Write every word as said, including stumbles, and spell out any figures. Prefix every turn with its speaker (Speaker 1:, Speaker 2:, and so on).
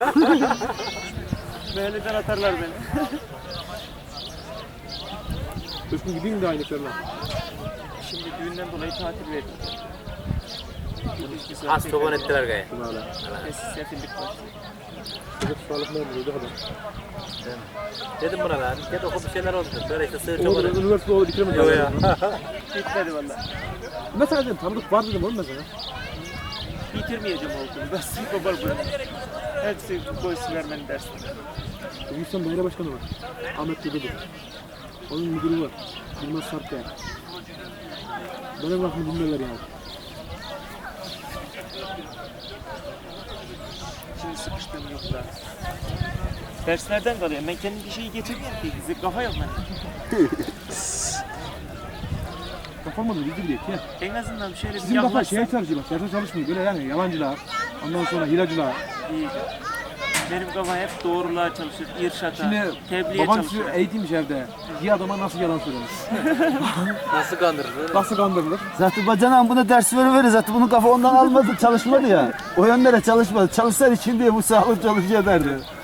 Speaker 1: Mahalleden atarlar beni.
Speaker 2: Üstün gideyim mi de aynı körler?
Speaker 1: Şimdi düğünden dolayı tatil verdim.
Speaker 3: Az toban ettiler gayet.
Speaker 2: Böyle.
Speaker 1: Sefillik var.
Speaker 2: Çocuk sağlıklı oldu kadar.
Speaker 3: Dedim buna lan. Gel oku bir şeyler oldu. Böyle işte sığır
Speaker 2: Orada
Speaker 3: çobanı.
Speaker 2: üniversite oldu bitiremedi.
Speaker 3: Yok ya.
Speaker 1: Bitmedi valla.
Speaker 2: Mesela dedim tanıdık var dedim oğlum mesela.
Speaker 1: Bitirmeyeceğim okulu. Ben sınıf babal bırakıyorum. Hepsi boysu vermeni dersin.
Speaker 2: Büyüksen daire başkanı var. Ahmet Dede'dir. Onun müdürü var. Yılmaz Sarpkaya. Benim lafımı dinlerler yani.
Speaker 1: Şimdi sıkıştığım yok da. Derslerden kalıyorum. Ben kendim bir şeyi getirmiyorum ki. Bize kafa yok bende.
Speaker 2: Kafamda da bildi bile ya.
Speaker 1: En azından şöyle bir
Speaker 2: Sizin kafa
Speaker 1: yaklaşsam
Speaker 2: şeye çalışıyor bak. Derse çalışmıyor. Böyle yani yalancılar. Ondan sonra hilacılar.
Speaker 1: iyiydi. Benim kafa hep doğruluğa çalışır, irşata,
Speaker 2: Şimdi
Speaker 1: tebliğe
Speaker 2: baban
Speaker 1: çalışır.
Speaker 2: sizi eğitimmiş evde. Bir adama nasıl yalan söylenir?
Speaker 3: Nasıl kandırır?
Speaker 2: Nasıl kandırılır?
Speaker 4: Zaten bacanan buna ders veriverir. Zaten bunun kafa ondan almadı, çalışmadı ya. O yönlere çalışmadı. Çalışsaydı şimdi bu sağlık çalışıyor derdi.